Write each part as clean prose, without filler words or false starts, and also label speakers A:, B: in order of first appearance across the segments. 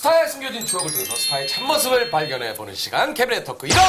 A: 스타의 숨겨진 추억을 통해서 스타의 참모습을 발견해보는 시간 캐비넷 토크 이런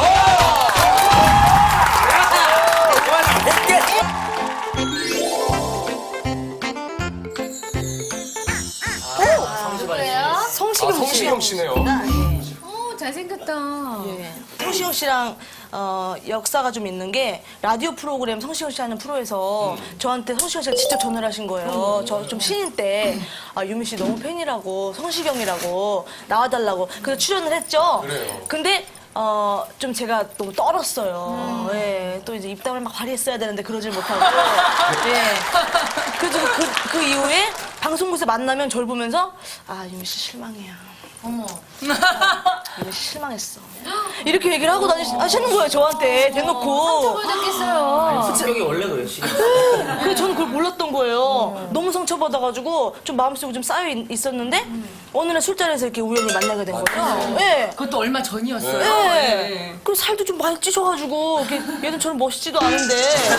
A: 성시경 씨네요.
B: 잘생겼다.
C: 성시경 씨랑 역사가 좀 있는 게 라디오 프로그램 성시경 씨 하는 프로에서 저한테 성시경 씨가 직접 전화를 하신 거예요. 저 좀 신인 때 유미 씨 너무 팬이라고 성시경이라고 나와달라고 그래서 출연을 했죠.
A: 그래요.
C: 근데 좀 제가 너무 떨었어요. 예, 또 이제 입담을 막 발휘했어야 되는데 그러질 못하고. 예. 그래서 그 이후에 방송국에서 만나면 저를 보면서 유미 씨 실망해요.
B: 어머.
C: 유미 씨 실망했어. 이렇게 얘기를 하고 하시는 거예요, 저한테 대놓고.
B: 상처받았겠어요.
D: 성격이 원래 그래요, 시경 씨.
C: 그래서 저는 그걸 몰랐던 거예요. 너무 상처받아가지고 좀 마음속에 좀 쌓여 있었는데 어느 날 술자리에서 이렇게 우연히 만나게 된 거예요. 예.
B: 그것도 얼마 전이었어요.
C: 예. 그리고 살도 좀 많이 찌셔가지고 이렇게 예전처럼 멋있지도 않은데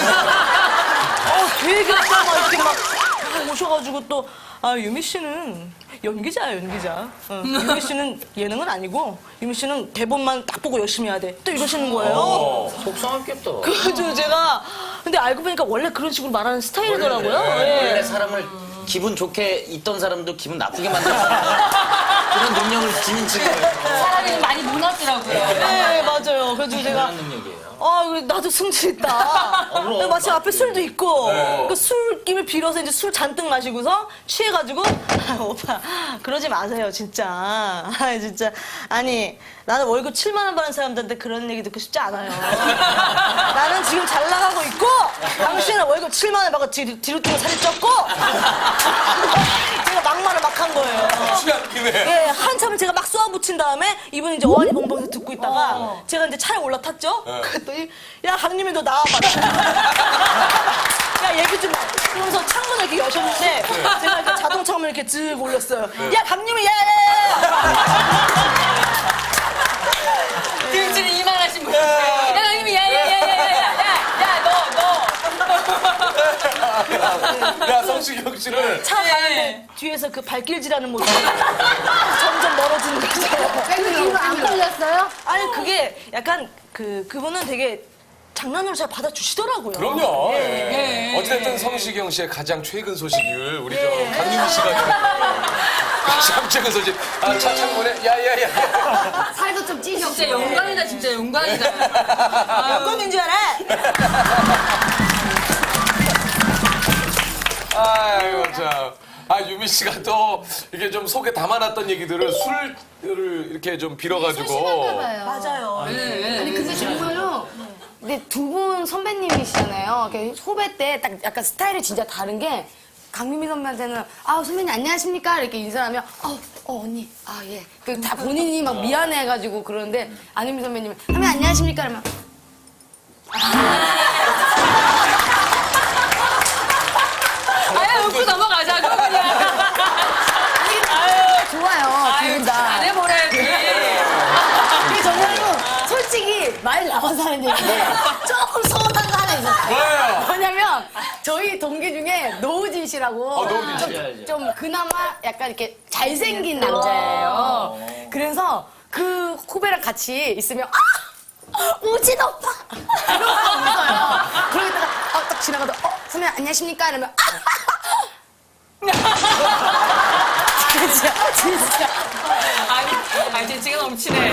C: 되게 막 이렇게 막 오셔가지고 또 유미 씨는 연기자야 연기자. 유미 씨는 예능은 아니고 유미 씨는 대본만 딱 보고 열심히 해야 돼. 또 이러시는 거예요.
D: 속상했겠다.
C: 그래가지고 제가 근데 알고 보니까 원래 그런 식으로 말하는 스타일이더라고요.
D: 원래
C: 예.
D: 사람을 기분 좋게 있던 사람도 기분 나쁘게 만드는 그런 능력을 지닌 친구예요.
B: 사람이 많이 무너지더라고요.
C: 네, 맞아요. 그래서 제가
D: 그런 능력이에요.
C: 나도 승질 있다.
D: 그럼.
C: 마침 앞에 술도 있고 그 술김을 빌어서 이제 술 잔뜩 마시고서 취해가지고 오빠 그러지 마세요 진짜. 진짜 아니 나는 월급 7만 원 받는 사람들한테 그런 얘기 듣고 싶지 않아요. 나는 지금 잘 나가고 있고 당신은 월급 7만 원 받고 뒤로 뛰고 살이 쪘고 제가 막말을 막 한 거예요.
A: 취한 김에
C: 예, 한참을 제가 막 쏘아붙인 다음에 이분이 이제 어안이 벙벙해서 듣고 있다가 제가 이제 차에 올라탔죠? 그랬더니 야 강림이 너 나와봐. 야 얘기 좀 해. 그러면서 창문을 이렇게 여셨는데 제가 이렇게 자동 창문을 이렇게 쓱 올렸어요. 야 강림이
B: 등줄이 이만하신 분. 야, 형님이
A: 야 성시경 씨를
C: 차 가는데 뒤에서 그 발길질하는 모습이 점점 멀어지는 거죠.
B: 이거 안 걸렸어요?
C: 아니 그게 약간 그분은 되게 장난으로 잘 받아주시더라고요.
A: 그럼요.
C: 예.
A: 어쨌든 성시경 씨의 가장 최근 소식을 우리 강유미 씨가 가장 최근 소식. 차 창문에 야야야.
B: 살도 좀 찌셨고. 진짜 영광이다, 진짜 영광이다.
C: 영광인 줄 알아?
A: 아이고 참. 유미 씨가 또 이게 좀 속에 담아놨던 얘기들을 술을 이렇게 좀 빌어가지고.
C: 맞아요.
E: 아니 근데 정말로 근데 두 분 선배님이시잖아요. 이렇게 후배 때 딱 약간 스타일이 진짜 다른 게 강유미 선배한테는 선배님 안녕하십니까 이렇게 인사하면 언니 예. 그 다 본인이 막 미안해가지고 그러는데 안유미 선배님은 선배님 안녕하십니까 이러면
B: 웃고 넘어가자고 그냥.
E: 좋아요. 두 분 다.
B: 잘해보래야지.
E: 근데 정말로 솔직히 말 나와서 하는 얘기인데 조금 서운한 거 하나 있었어요.
A: 뭐예요?
E: 뭐냐면 저희 동기 중에 노우진 씨라고
A: 노우진 씨.
E: 좀 그나마 약간 이렇게 잘생긴 남자예요. 그래서 그 후배랑 같이 있으면 우진 오빠 이러고 웃어요. 그러다가 딱 지나가도 선배님 안녕하십니까 이러면 진짜
B: 아니, 진짜 넘치네.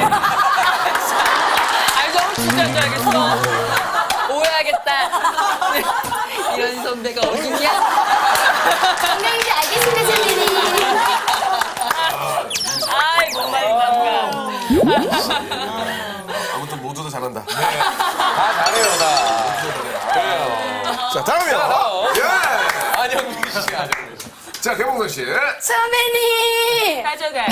B: 너무 진짜인 줄 알겠어. 오해하겠다. 이런 선배가 어딨냐?
E: 분명인지 알겠습니다 선배님.
B: 못 말린다.
A: 아무튼 모두 다 잘한다. 다 잘해요 다. 그래요.
F: 자, 다음이요. 예.
A: 안영민 씨, 안영민 씨.
F: 자, 개봉선 씨.
E: 선배님.
B: 가져가.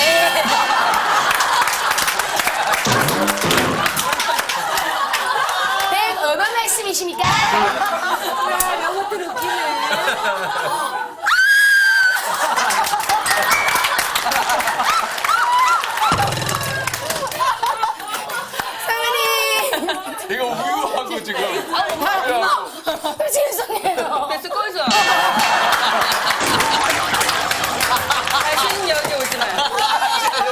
E: 얼마 말씀이십니까?
B: 이것들 웃기네.
E: 선배님.
A: 이거 우유하고 지금.
E: 죄송해요.
B: 됐어, 꺼져. 다시는 여기 오지 마요.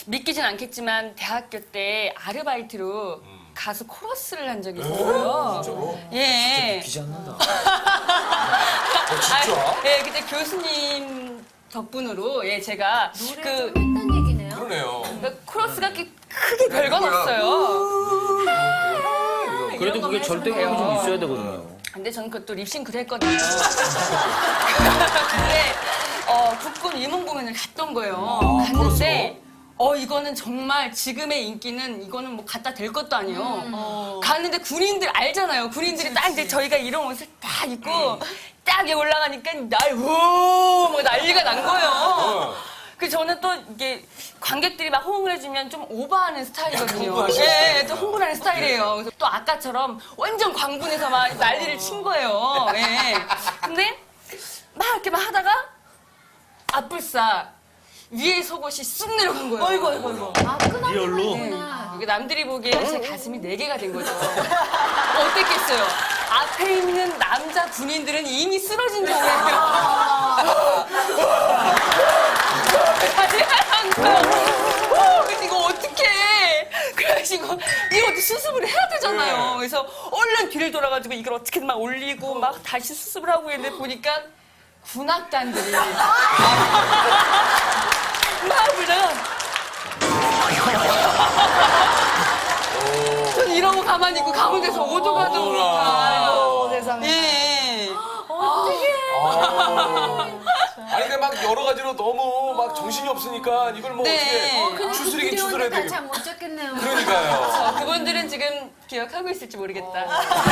B: 믿기진 않겠지만 대학교 때 아르바이트로 가수 코러스를 한 적이 있어요. 예.
D: 귀지 않는다.
A: 진짜?
B: 예, 그때 교수님 덕분으로 예 제가 그
G: 했던 얘기네요.
A: 그러네요.
B: 코러스가 이렇게 크게 별건 없어요.
D: 그래도 그게 절대감이 좀 있어야 되거든요.
B: 근데 저는 그것도 립싱크를 했거든요. 근데 국군 위문 공연을 갔던 거예요. 갔는데 이거는 정말 지금의 인기는 이거는 뭐 갖다 댈 것도 아니에요. 갔는데 군인들 알잖아요. 군인들이 딱 이제 저희가 이런 옷을 딱 입고 딱 여기 올라가니까 막 난리가 난 거예요. 그 저는 또 이게 관객들이 막 호응을 해주면 좀 오버하는 스타일이거든요. 예, 또 흥분하는 스타일이에요. 그래서 또 아까처럼 완전 광분해서 막 난리를 친 거예요. 예. 근데 막 이렇게 막 하다가 앞불싸 위에 속옷이 쑥 내려간 거예요.
C: 어이구.
G: 아, 끊어지구나.
D: 리얼로?
B: 이게 남들이 보기에 제 가슴이 4개가 된 거죠. 어땠겠어요? 앞에 있는 남자 군인들은 이미 쓰러진 상태예요. 그래서 이거 어떡해. 그래가지고 이것도 수습을 해야 되잖아요. 그래서 얼른 뒤를 돌아가지고 이걸 어떻게든 막 올리고 막 다시 수습을 하고 있는데 보니까 군악단들이 막 불다가 전 이러고 가만히 있고 가운데서 오도가도 모르니까
E: 세상에.
B: 예.
A: 아니 근데 막 여러 가지로 너무 막 정신이 없으니까 이걸 뭐
B: 네.
A: 어떻게 추스리긴 추스려야 되겠
G: 잘못 쳤겠네요.
A: 그러니까요.
B: 그분들은 지금 기억하고 있을지 모르겠다.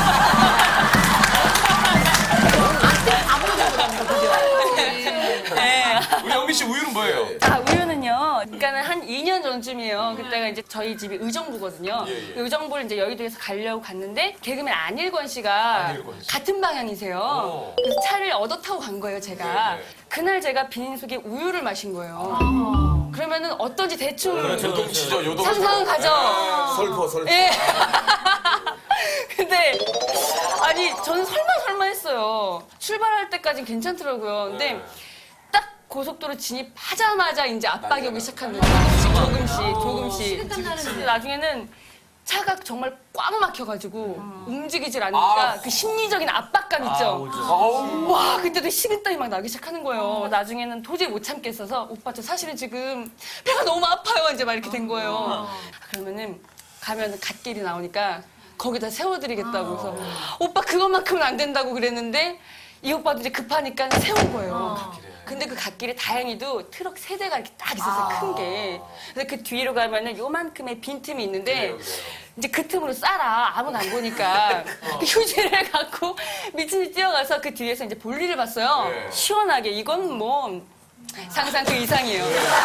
B: 네.
A: 우리 영미 씨 우유는 뭐예요?
B: 우유는요. 그러니까는 한 2년 전쯤이에요. 그때가 이제 저희 집이 의정부거든요.
A: 예.
B: 그 의정부를 이제 여의도에서 가려고 갔는데 개그맨 안일권 씨가
A: 안일권 씨.
B: 같은 방향이세요.
A: 오.
B: 그래서 차를 얻어 타고 간 거예요, 제가.
A: 네.
B: 그날 제가 비닐속에 우유를 마신 거예요. 그러면은 어떤지 대충
A: 요동치죠, 요동.
B: 상상은 가죠.
F: 설퍼.
B: 예. 근데 아니 저는 설마 했어요. 출발할 때까진 괜찮더라고요. 근데 딱 고속도로 진입하자마자 이제 압박이 오기 시작한 거예요. 조금씩. 근데 나중에는 차가 정말 꽉 막혀가지고 움직이질 않으니까 그 심리적인 압박감 있죠. 와 그때도 식은땀이 막 나기 시작하는 거예요. 나중에는 도저히 못 참겠어서 오빠 저 사실은 지금 배가 너무 아파요. 이제 막 이렇게 된 거예요. 그러면은 가면 갓길이 나오니까 거기다 세워드리겠다고 해서 오빠 그것만큼은 안 된다고 그랬는데 이 오빠도 이제 급하니까 세운 거예요. 근데 그 갓길에 다행히도 트럭 3대가 이렇게 딱 있었어요, 큰 게. 그래서 그 뒤로 가면은 요만큼의 빈틈이 있는데 이제 그 틈으로 싸라. 아무도 안 보니까. 그 휴지를 갖고 미친 듯이 뛰어가서 그 뒤에서 이제 볼일을 봤어요. 시원하게. 이건 뭐 상상 그 이상이에요.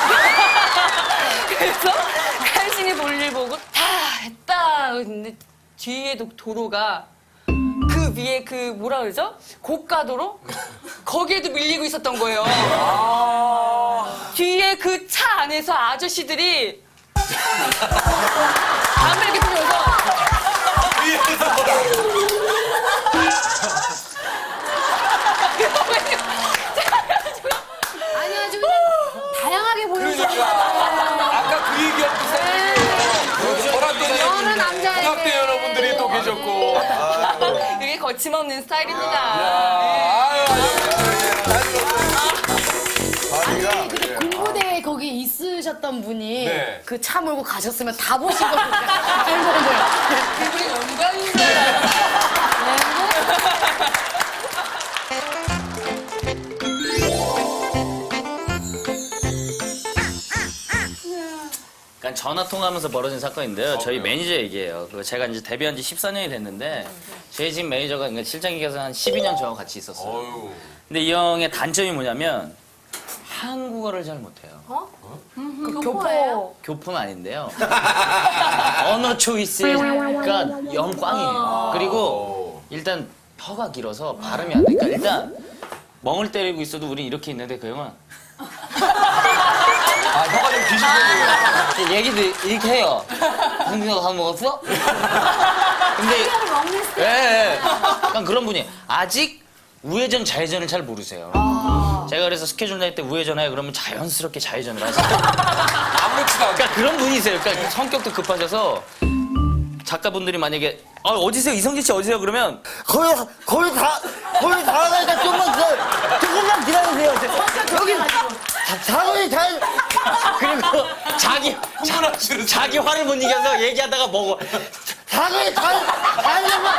B: 그래서 간신히 볼일 보고 다 했다. 근데 뒤에도 도로가 그 위에 그 뭐라 그러죠? 고가도로? 거기에도 밀리고 있었던 거예요. 뒤에 그 차 안에서 아저씨들이 담배 이렇게 피면서
G: 아니, 아주 다양하게 보여주세요.
A: 아까 그 얘기한 그 사람이
G: 저는 남자에게.
A: 국악대 여러분들이 또 계셨고.
B: 이게 거침없는 스타일입니다.
E: 아니, 근데 군부대에 거기 있으셨던 분이
A: 네.
E: 그 차 몰고 가셨으면 다 보신 거니까. 알고 거예요.
B: 그분이 영광입니다.
D: 그러니까 전화 통화하면서 벌어진 사건인데요. 저희 매니저 얘기예요. 그 제가 이제 데뷔한 지 14년이 됐는데 저희 집 매니저가 그러니까 실장님께서 한 12년 저와 같이 있었어요.
A: 어휴.
D: 근데 이 형의 단점이 뭐냐면 한국어를 잘 못해요.
E: 교포.
D: 교포는 아닌데요. 언어 초이스가 영 꽝이에요. 그리고 일단 혀가 길어서 발음이 안 되니까 일단 멍을 때리고 있어도 우린 이렇게 있는데 그 형은
A: 혀가 좀 기신 편이에요.
D: 얘기도 이렇게 해요. 형님가 밥 먹었어? 근데
G: 먹는 스타일.
D: 예. 약간 그런 분이 아직 우회전 좌회전을 잘 모르세요. 제가 그래서 스케줄 낼 때 우회전해 그러면 자연스럽게 좌회전을 하세요.
A: 아무렇지도 않게.
D: 그러니까 그런 분이세요. 그러니까 성격도 급하셔서 작가분들이 만약에 어디세요? 이성진 씨 어디세요? 그러면
H: 거의 다 나가니까 조금만 기다리세요. 여기 자동이 잘.
D: 그리고 자기 화를 못 이겨서 얘기하다가 먹어.
H: 자동이 잘 되면.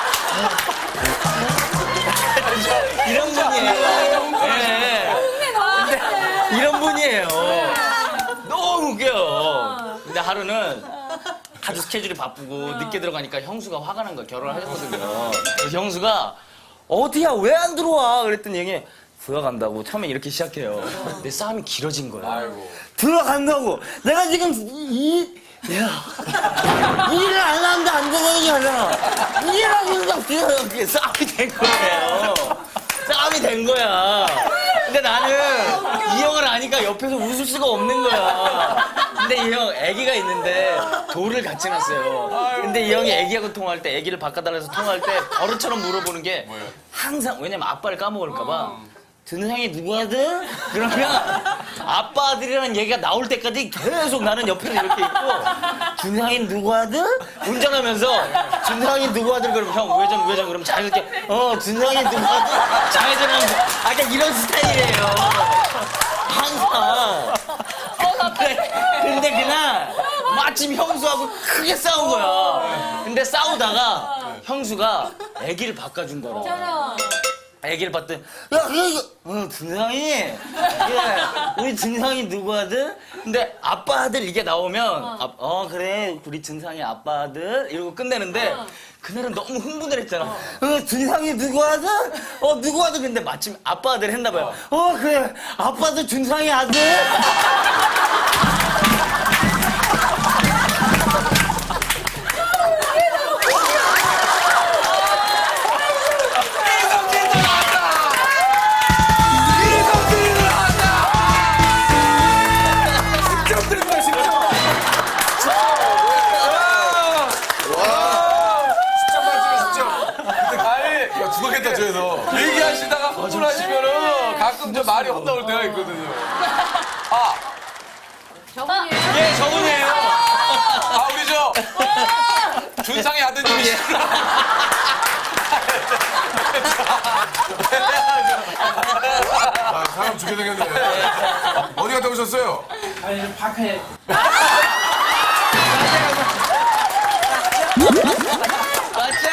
D: 이런 분이에요. 네. 근데 이런 분이에요. 너무 웃겨요. 근데 하루는 아주 스케줄이 바쁘고 늦게 들어가니까 형수가 화가 난 거야. 결혼을 하셨거든요. 그래서 형수가 어디야 왜 안 들어와? 그랬더니 형이 들어간다고 처음에 이렇게 시작해요. 근데 싸움이 길어진 거야.
A: 아이고.
H: 들어간다고. 내가 지금 일을 안 하는데 안 되는 게 아니라 일을 하고
D: 그게 싸움이 된 거예요. 싸움이 된 거야. 근데 나는 이 형을 아니까 옆에서 웃을 수가 없는 거야. 근데 이 형 애기가 있는데 돌을 같이 놨어요. 근데 이 형이 애기하고 통화할 때 애기를 바꿔달라서 통화할 때 버릇처럼 물어보는 게 항상 왜냐면 아빠를 까먹을까 봐. 준상이 누구 아들? 그러면 아빠 아들이라는 얘기가 나올 때까지 계속 나는 옆에서 이렇게 있고 준상이 누구 아들? 운전하면서 준상이 누구 아들? 그러면 형 우회전 그러면 자연스럽게 준상이 누구 아들? 좌회전하면 약간 이런 스타일이에요. 항상. 근데 그날 마침 형수하고 크게 싸운 거야. 근데 싸우다가 형수가 애기를 바꿔준 거라. 애기를 봤더니 준상이 우리 준상이 누구 아들? 근데 아빠 아들 이게 나오면 그래 우리 준상이 아빠 아들 이러고 끝내는데 그날은 너무 흥분을 했잖아. 준상이 누구 아들? 누구 아들? 근데 마침 아빠 아들 했나 봐요. 그래 아빠 아들 준상이 아들?
A: 얘기하시다가 흥분하시면은 가끔 저 말이 헛나올 때가 있거든요.
G: 저분이에요?
D: 예, 저분이에요.
A: 우리 준상의 아드님이시구나.
F: 사람 죽게 생겼네. 어디 갔다 오셨어요?
D: 아니, 파크에. 맞죠?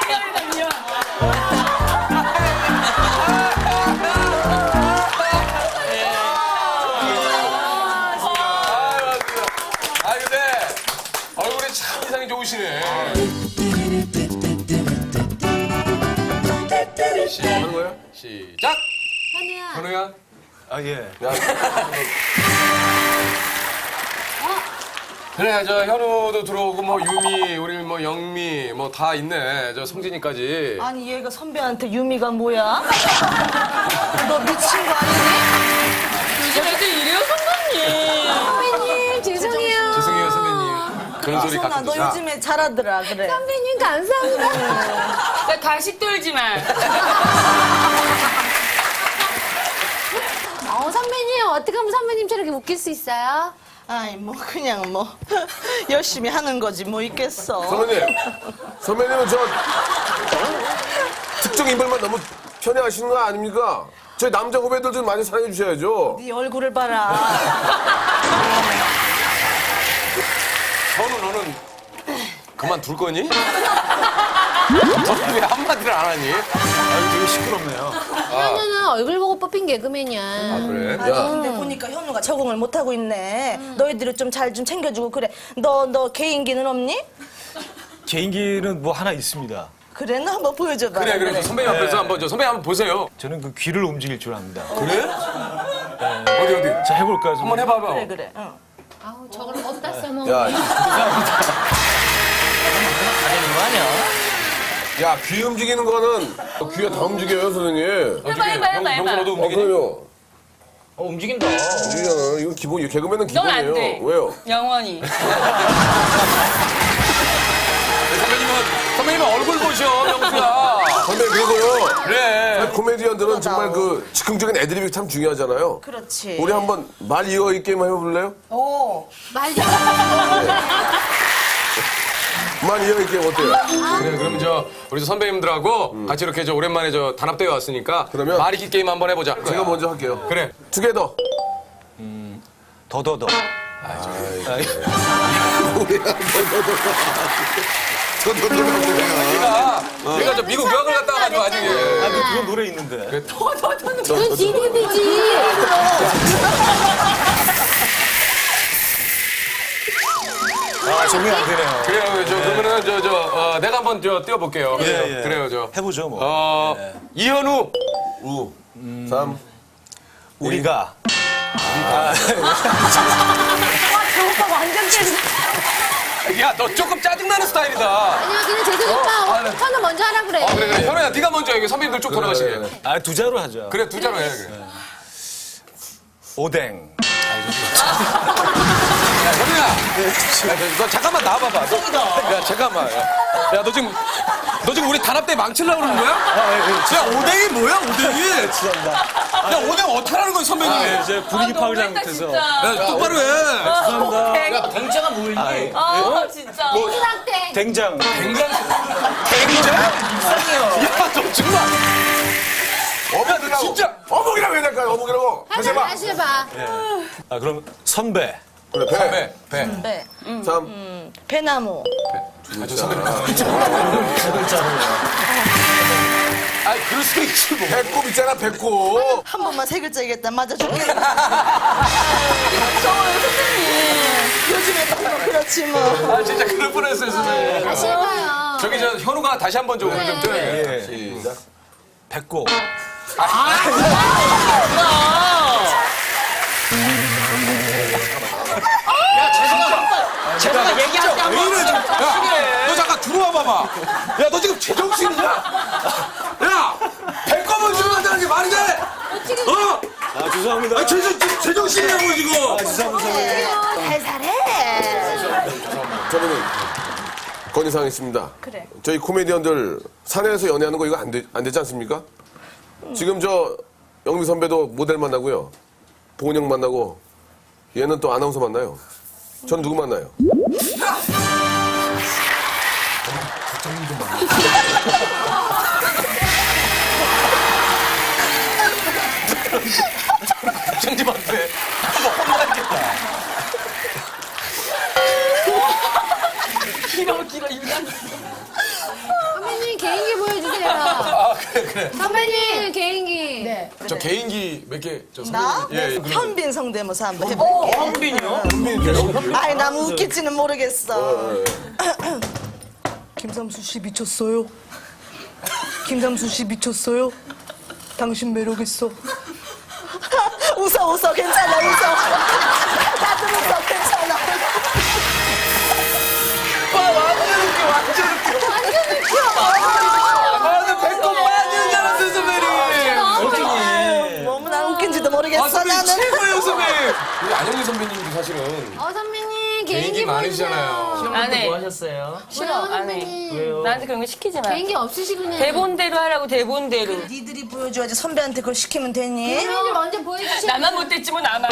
A: 근데 얼굴이 참 인상이 좋으시네. 하는 거예요? 시작!
G: 현우야.
A: 현우야?
F: 예.
A: 그래, 저 현우도 들어오고, 뭐, 유미, 우리 뭐, 영미, 뭐, 다 있네. 저 성진이까지.
C: 아니 얘가 선배한테 유미가 뭐야? 너 미친 거 아니니?
B: 요즘 애들 이래요, 선배님.
G: 선배님, 죄송해요.
A: 죄송해요, 선배님. 그런 소리
C: 소나
A: 가끔
C: 너
A: 듣자.
C: 요즘에 잘하더라 그래.
G: 선배님, 감사합니다.
B: 나 가식 떨지 마.
G: 선배님, 어떻게 하면 선배님처럼 이렇게 웃길 수 있어요?
C: 아이 뭐 그냥 뭐 열심히 하는 거지 뭐 있겠어.
F: 선배님은 저 특정 인물만 너무 편애하시는 거 아닙니까? 저희 남자 후배들 좀 많이 사랑해 주셔야죠.
C: 네 얼굴을 봐라.
A: 현우, 너는 그만둘 거니? 너는 왜 한마디를 안 하니?
F: 되게 시끄럽네요.
G: 현우는 얼굴 보고 뽑힌 개그맨이야.
A: 그래?
C: 아니 근데 보니까 현우가 적응을 못 하고 있네. 너희들이 좀 잘 좀 챙겨주고 그래. 너 개인기는 없니?
I: 개인기는 뭐 하나 있습니다.
C: 그래 너 한번 보여줘봐.
A: 그래. 선배님 앞에서 한번, 선배님 한번 보세요.
I: 저는 그 귀를 움직일 줄 압니다.
A: 그래? 어디?
I: 자, 해볼까요?
A: 한번 해봐봐.
C: 그래 그래. 응.
G: 아우, 저걸 어디다 써먹는
F: 야,
D: 다른 거 아니야?
F: 야, 귀 움직이는 거는 귀가 다 움직여요, 선생님.
B: 해봐.
A: 형수 너도 움직이니?
F: 그럼요.
D: 움직인다.
F: 움직이잖아. 이건 기본이에요. 개그맨은
B: 넌 안
F: 기본이에요.
B: 돼.
F: 왜요?
B: 영원히.
A: 선배님은 얼굴 보셔, 명수야.
F: 선배님, 그리고요.
A: 그래.
F: 코미디언들 선배님들은 정말 그 즉흥적인 애드립이 참 중요하잖아요.
C: 그렇지.
F: 우리 한번 말 이어이 게임 해볼래요?
G: 말
F: 말 이어이 게임 어때요?
A: 그래, 그럼 우리 선배님들하고 같이 이렇게 오랜만에 단합대회 왔으니까
F: 그러면
A: 말이기 게임 한번 해보자.
F: 제가 먼저 할게요.
A: 그래.
F: 투게더.
I: 더더더.
A: 내가 저 미국 유학을 갔다 와가지고 아직.
I: 아, 근데 그런 노래 있는데.
G: 그건 DDB지.
I: 아, 적응이 안 되네요.
A: 그래요. 그러면은 내가 한번 띄워볼게요.
I: 예, 예.
A: 그래요.
I: 해보죠, 뭐.
A: 이현우.
F: 우. 3.
I: 우리가.
G: 오빠 완전 팬.
A: 야, 너 조금 짜증나는 스타일이다.
G: 아니야, 그냥 재석이 오빠 현우 먼저 하라 그래.
A: 그래. 현우야, 네가 먼저 해. 선배님들 쭉 돌아가시게.
I: 아, 두 자로 하죠.
A: 그래, 두 자로 해. 그래.
I: 오뎅.
A: 야, 현우야. 너 잠깐만 나와봐봐. 야, 잠깐만. 야, 너 지금 우리 단합대 망치려고 그러는 거야? 야, 오뎅이 뭐야, 오뎅이?
I: 죄송합니다.
A: 야, 오뎅 어떡하라는 거야, 선배님?
I: 네, 이제 분위기 파악을 잘못해서.
A: 야, 똑바로 해.
I: 죄송합니다.
D: 야, 댕자가 뭘 해?
B: 진짜.
G: 수락땡.
I: 된장.
A: 댕장? 야, 너 정말.
F: 어묵이라고.
A: 진짜.
F: 어묵이라고 해야 될까요? 어묵이라고. 다시 해봐.
G: 다시 해봐.
I: 아, 그럼 선배.
F: 그래, 배.
C: 네.
F: 3.
C: 배나무.
A: 아니, 그럴 수도 있지, 뭐.
F: 배꼽 있잖아, 배꼽.
C: 한 번만 세 글자 얘기했다 맞아줄게. 요즘에 또 그렇지 뭐.
A: 아, 진짜 그럴 뻔했어요, 선배님.
G: 다시 해봐요.
A: 저기 현우가 다시 한 번 좀 오늘 좀 돼.
F: 시작.
I: 배꼽.
D: 제가 얘기할 때
A: 왜
D: 한번.
A: 이래, 지금. 야, 너 잠깐 들어와 봐봐. 야, 너 지금 제정신이냐? 야, 배꼽은 들어간다는 게 말이 돼? 어?
I: 아, 죄송합니다.
A: 아, 제정신이냐고, 지금.
I: 죄송합니다.
C: 살살해.
F: 저는 건의사항 있습니다.
C: 그래.
F: 저희 코미디언들 산에서 연애하는 거 이거 안 되지 않습니까? 지금 영미 선배도 모델 만나고요. 보은 형 만나고 얘는 또 아나운서 만나요. 전 누구 만나요?
A: 장님한테.
B: 길어, 유난.
G: 선배님 개인기 보여주세요.
A: 아, 그래.
G: 선배님 개인기. 네.
A: 저 개인기 몇 개,
C: 나?
A: 예,
C: 현빈 성대모사 한번 해볼게.
D: 현빈이요?
C: 아이 너무 웃길지는 모르겠어. 김삼수 씨 미쳤어요. 김삼수 씨 미쳤어요. 당신 매력 있어. 웃어 괜찮아 웃어. 나도 웃어 괜찮아.
A: 아, 나 배꼽 빠지는 줄 알았어, 선배님.
C: 너무나 웃긴지도 모르겠어
A: 아, 선배님
C: 나는.
A: 최고예요, 선배님. 우리 안영미 선배님도 사실은
G: 선배님
A: 개인기
G: 개인기
A: 많으시잖아요.
G: 보여주세요.
B: 안 해.
D: 뭐 하셨어요?
B: 싫어, 안 해.
G: 선배님.
B: 나한테 그런 거 시키지 마.
G: 개인기 없으시군요.
B: 대본대로 하라고, 대본대로.
C: 니들이 보여줘야지 선배한테 그걸 시키면 되니?
G: 선배님 먼저 보여주시고.
B: 나만 못됐지 뭐, 나만.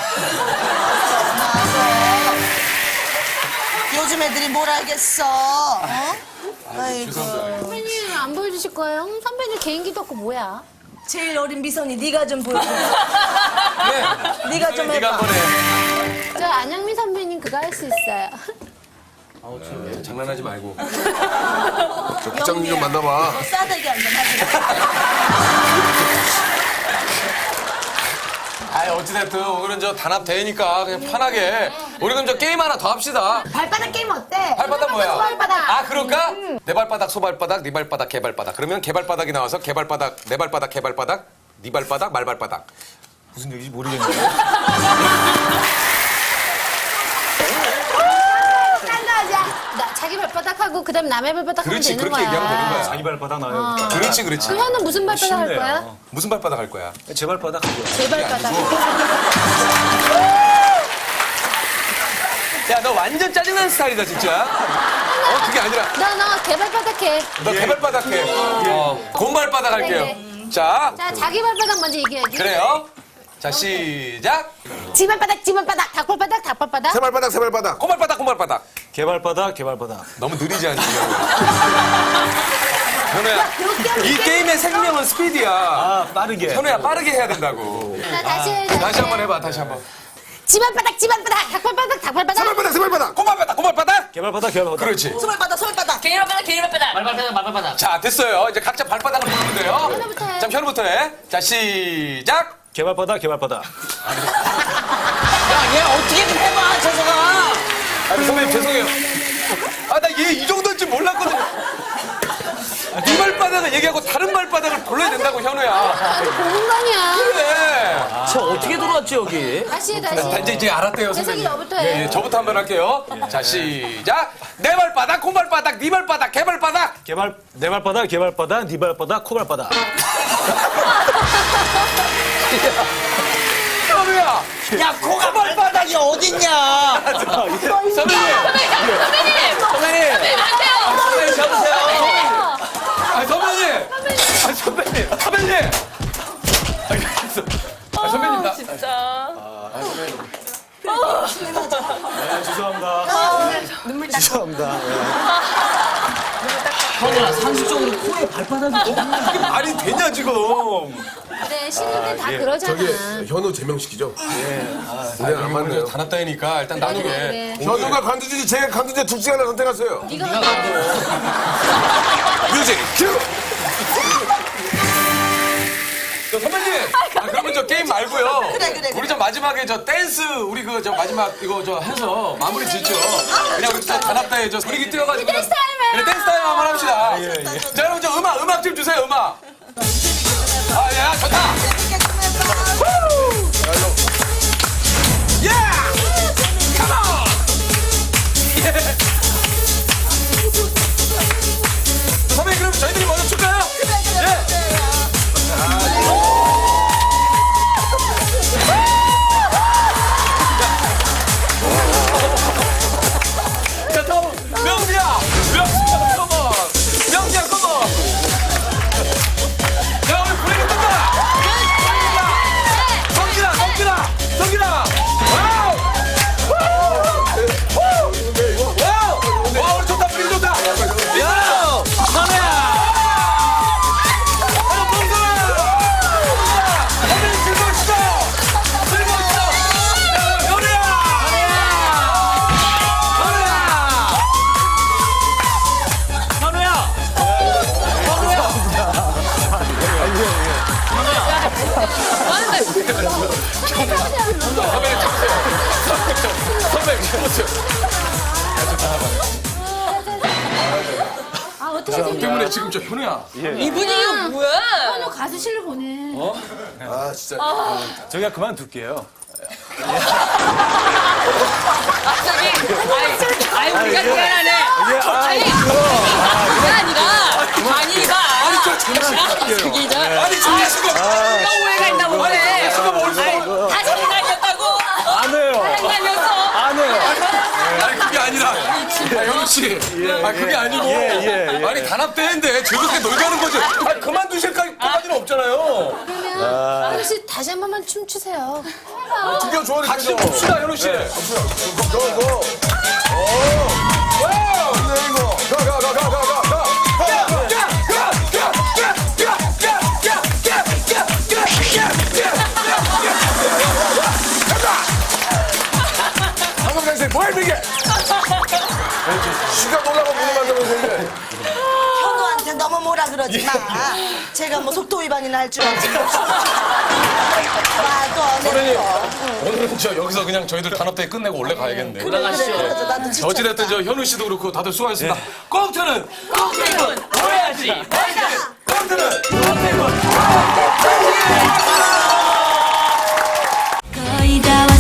C: 요즘 애들이 뭘 알겠어? 어? 아이고.
G: 선배님 안 보여주실 거예요? 선배님 개인기도 없고 뭐야?
C: 제일 어린 미선이 네가 좀 보여줘.
A: 네.
C: 네가 좀
A: 네가
C: 해봐.
A: 한번 해.
G: 저 안영미 선배님 그거 할 수 있어요.
A: 장난하지 말고.
F: 저 부장님 좀 만나봐.
C: 너 싸대기 한번 하지.
A: 아, 어찌됐든 오늘은 단합 대회니까 그냥 편하게. 우리 그럼 게임 하나 더 합시다.
G: 발바닥 게임 어때?
A: 발바닥 뭐야?
G: 발바닥.
A: 아, 그럴까? 내 발바닥, 소발바닥, 네 발바닥, 개발바닥. 그러면 개발바닥이 나와서 개발바닥, 내 발바닥, 개발바닥, 네 발바닥, 말발바닥.
I: 무슨 얘기인지 모르겠는데.
G: 나 자기 발바닥하고 그다음 남의 발바닥 하면
A: 그렇지,
G: 되는
A: 그렇게
G: 거야.
A: 얘기하면 되는 거야.
I: 자기 발바닥 나요.
A: 그렇지, 그렇지.
G: 그거는 무슨 발바닥 할
I: 쉽네요.
G: 거야?
A: 무슨 발바닥 할 거야?
I: 제 발바닥 하죠.
G: 제 발바닥.
A: 야, 너 완전 짜증나는 스타일이다, 진짜. 그게 아니라.
G: 너 개발바닥 해.
A: 너 개발바닥 해. 곰발바닥 할게요. 자,
G: 자, 자기 발바닥 먼저 얘기해야지.
A: 그래요. 자, 시작.
G: 집발바닥, 집발바닥, 닭발바닥, 닭발바닥.
F: 세발바닥, 세발바닥.
A: 고말바닥, 고말바닥.
I: 개발바닥, 개발바닥.
A: 너무 느리지 않니? 현우야, 이 게임의 생명은 스피드야.
I: 아, 빠르게.
A: 현우야, 빠르게 해야 된다고.
G: 자, 다시 해.
A: 다시 한번 해봐, 다시 한번.
G: 집발바닥, 집발바닥, 닭발바닥, 닭발바닥.
F: 세발바닥, 세발바닥.
A: 고말바닥, 고말바닥.
I: 개발바닥, 개발바닥.
A: 그렇지.
C: 소발바닥, 소발바닥.
B: 개인 발바닥, 개인 발바닥.
D: 말발바닥, 말발바닥.
A: 자, 됐어요. 이제 각자 발바닥을 부르면 돼요.
G: 현우부터 해.
A: 자, 현우부터 해. 자, 시작.
I: 개발바닥, 개발바닥.
H: 얘 어떻게 좀 해봐, 저서가.
A: 아니, 선배님, 죄송해요. 아, 나 얘 이 정도인 줄 몰랐거든요. 네 발바닥을 얘기하고 다른 발바닥을 불러야 된다고, 현우야.
G: 아주 공간이야.
A: 그래.
H: 저 어떻게 들어왔지, 여기?
G: 다시 해, 다시
A: 자,
G: 해.
A: 이제 알았대요,
G: 재석이
A: 선배님.
G: 너부터 해.
A: 예, 예, 저부터 한번 할게요. 자, 시작. 내 발바닥, 콩발바닥, 네 발바닥, 개발바닥.
I: 내 발바닥, 개발바닥, 네 발바닥, 코발바닥.
A: 현우야.
H: 야, 코가 발바닥이 어딨냐?
A: 선배님.
B: 선배님!
A: 선배님.
B: 선배님, 안 돼요!
A: 선배님, 잡으세요. 아, 선배님. 아, 선배님. 선배님. 아, 선배님, 나.
B: 진짜.
I: 죄송합니다. 죄송합니다.
H: 현우야, 상식적으로 코에 발바닥이
A: 이게 말이 되냐, 지금.
G: 그래, 신인들 다
F: 저기
G: 그러잖아.
F: 현우 제명시키죠? 네, 안 맞네요.
A: 단합다니까 일단
G: 그래,
A: 나누게.
G: 그래.
F: 현우가 간두지, 제 간두지 둘 중에 하나 선택하세요.
G: 네가 만들어.
F: 뮤직 큐!
A: 저 선배님. 아, 그러면 저 게임 말고요.
C: 그래.
A: 우리 저 마지막에 저 댄스 우리 그 저 마지막 이거 저 해서 마무리 짓죠. 그냥 우리 저 단합다에 저 분위기 띄워가지고.
G: 댄스 타임 해요.
A: 그래, 댄스 타임 한번 합시다. 자, 여러분 저 음악 좀 주세요. 음악. 아, 야, 좋다. 예! Come on! 선배님 그럼 저희들이 먼저 출까요? 예. 자, 다음 명지야, 컴온. 명지야, 컴온. 야, 우리 브레이크 뜬다. 성진아. 와우. 와, 우리 좋다, 브레이크 좋다. 야, 선우야. 선배님 즐거우시죠? 야, 현우야. 선배님 잡으세요. 선배님 잡으세요.
G: 아, 어떻게 생겨?
A: 때문에 지금 저 현우야.
B: 이 분위기가 뭐야?
G: 현우 가수실로 보내.
F: 아, 진짜.
I: 저희가 그만둘게요.
B: 아니, 우리가 미안하네. 아니, 그게 아니라, 저기, 저,
A: 아니, 저기 지금.
B: 누가 오해가 있나 보네.
A: 지금 어디서.
B: 다 장난이었다고.
I: 안 해요.
B: 장난이었어.
I: 안 해요.
A: 아니, 그게 아니라. 아, 현우 씨. 아, 그게 아니고.
I: 예.
A: 아니, 단합대회인데 즐겁게 놀자는 거지. 아니, 그만두실까지는 없잖아요.
G: 그러면 현우 씨 다시 한 번만 춤추세요.
F: 드디어 좋아하는
A: 같이 좀 춥시다, 현우 씨.
F: 고! 와우! 가! 한번 가세요. 뭐야, 이게? 시가 놀라고 문을 만들면서 이제.
C: 현우한테 너무 뭐라 그러지 마. 제가 뭐 속도 위반이나 할 줄 알지. 말도 안
A: 선배님,
C: 해.
A: 오늘은 저 여기서 그냥 저희들 단합대회 끝내고 원래 가야겠네.
C: 그래, 나도 지쳤다.
A: 어찌됐든 저 현우 씨도 그렇고 다들 수고하셨습니다. 꽁트는 꽁트는 오해하지 말자. 꽁트는 꽁트는
J: 거의 다 왔어.